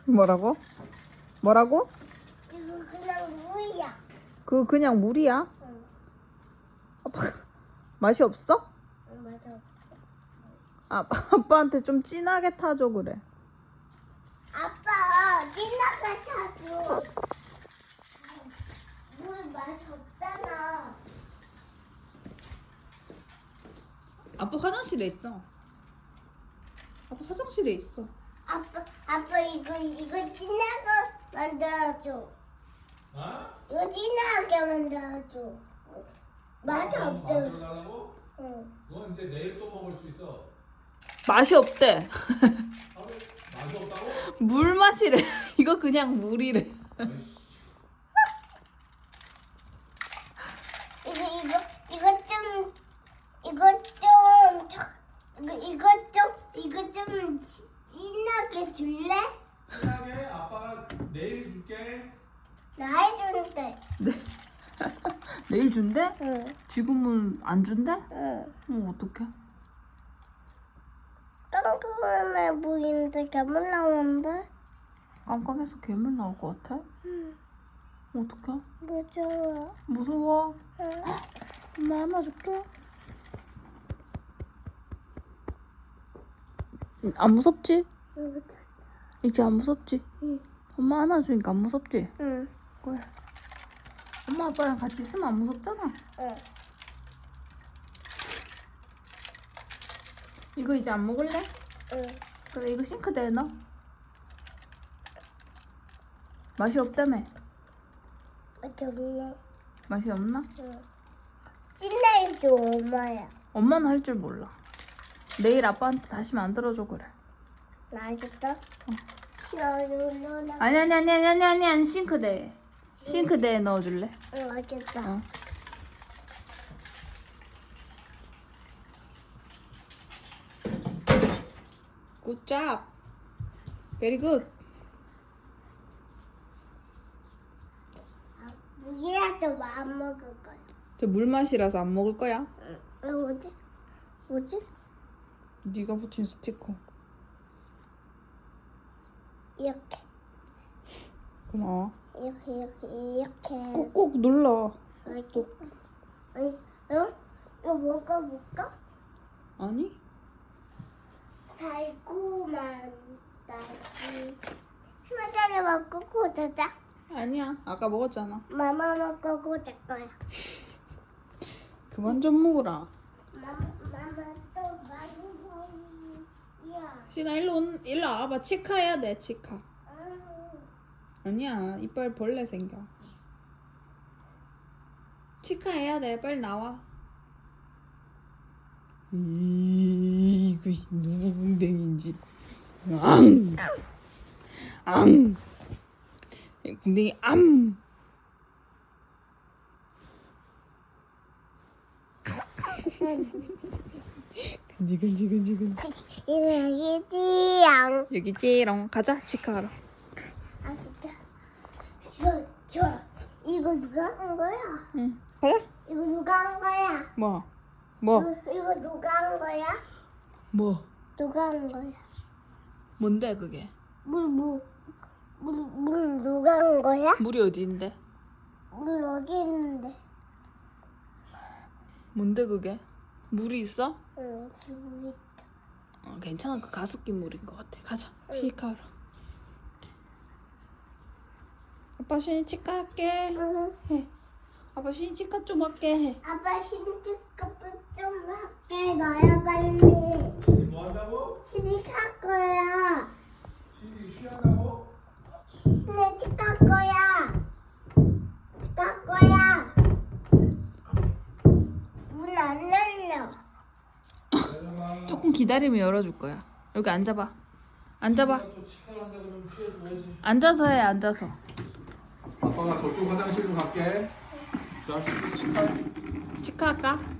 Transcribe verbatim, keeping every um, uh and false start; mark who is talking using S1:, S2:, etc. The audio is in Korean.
S1: 뭐라고? 뭐라고?
S2: 이거 그냥 물이야.
S1: 그거 그냥 물이야?
S2: 응.
S1: 아빠 맛이 없어?
S2: 응, 맞아.
S1: 아, 아빠한테 좀 진하게 타줘 그래.
S2: 아빠, 찐나게 타줘. 물 맛이 없잖아.
S1: 아빠 화장실에 있어. 아빠 화장실에 있어.
S2: 아빠, 아빠 이거 이거 진하게 만들어줘.
S3: 어?
S2: 이거 진하게 만들어줘. 맛이
S3: 만-
S2: 없대.
S3: 만들어달라고?
S2: 응.
S3: 그건 이제 내일 또 먹을 수 있어.
S1: 맛이 없대.
S3: 하루 맛이 없다고?
S1: 물 맛이래. 이거 그냥 물이래.
S3: 아이씨.
S2: 이거 이거 이거 좀 이거 좀 저- 이거 이거 좀 이거 좀 진하게 줄래?
S3: 신나게 아빠가 내일 줄게.
S2: 나 해주는데.
S1: 내일 준대?
S2: 응.
S1: 지금은 안 준대?
S2: 응.
S1: 어, 어떡해?
S2: 깜깜해 보이는데 괴물 나오는데?
S1: 깜깜해서 괴물 나올 것 같아?
S2: 응.
S1: 어떡해?
S2: 무서워.
S1: 무서워.
S2: 응.
S1: 엄마 안아줄게. 응, 안 무섭지?
S2: 응.
S1: 이제 안 무섭지?
S2: 응.
S1: 엄마 안아주니까 안 무섭지?
S2: 응.
S1: 그래. 엄마 아빠랑 같이 있으면 안 무섭잖아.
S2: 응.
S1: 이거 이제 안 먹을래?
S2: 응.
S1: 그래, 이거 싱크대에 넣어. 맛이 없다며.
S2: 좋네.
S1: 맛이 없나?
S2: 응. 찐내줘 엄마야.
S1: 엄마는 할 줄 몰라. 내일 아빠한테 다시 만들어줘 그래.
S2: 나 알겠어? 응.
S1: 아니 아니 아니 아니 아니 아니 아니 싱크대에. 싱크대에 넣어줄래?
S2: 응, 알겠어.
S1: 어. Good job. Very good.
S2: 무기라도 안 먹을 거야.
S1: 저 물 맛이라서 안 먹을 거야.
S2: 응. 이거 뭐지? 뭐지?
S1: 네가 붙인 스티커.
S2: 이렇게.
S1: 고마워.
S2: 이렇게 이렇게 이렇게.
S1: 꾹꾹 눌러.
S2: 이렇게. 아니, 어? 이거 먹어볼까?
S1: 아니?
S2: 달콤한 딸기. 하나짜리 먹고 고자자.
S1: 아니야. 아까 먹었잖아.
S2: 마마 먹고 고자 거야.
S1: 그만 좀 먹으라.
S2: 마마 마마 또 많이 먹이야.
S1: 신아 일로 온, 일로 와봐. 치카해야 돼. 치카. 아니야. 이빨 벌레 생겨. 치카해야 돼. 빨리 나와. 이거 누구 궁뎅이인지. 앙. 앙. 궁뎅이 암. 근지 근지 근지 근지.
S2: 이렇게 띠양.
S1: 여기 찌롱. 가자. 치카하러.
S2: 아 진짜. 저, 저. 이거 누가 한 거야?
S1: 응. 가자.
S2: 이거 누가 한 거야?
S1: 뭐? 뭐?
S2: 이거, 이거 누가 한 거야?
S1: 뭐?
S2: 누가 한 거야?
S1: 뭔데 그게?
S2: 물, 물, 물, 물 누가 한 거야?
S1: 물이 어디 있는데?
S2: 물 어디 있는데?
S1: 뭔데 그게? 물이 있어?
S2: 응, 여기 물 있다.
S1: 어, 괜찮아. 그 가습기 물인 것 같아. 가자. 치카하러. 아빠 신이 치카 할게.
S2: 응.
S1: 해. 아빠 신이 치카 좀 할게. 해.
S2: 아빠 신축급을 좀 할게. 너야 빨리.
S3: 신이 뭐 한다고?
S2: 신축할 거야.
S3: 신이 쉬한다고?
S2: 신축할 거야. 갈 거야. 문 안 열려.
S3: 내려가.
S1: 조금 기다리면 열어줄 거야. 여기 앉아봐. 앉아봐.
S3: 또 치사한다 그러면 피해줘야지.
S1: 앉아서 해. 앉아서.
S3: 아빠가 저쪽 화장실로 갈게. 자, 치카.
S1: 치카 할까?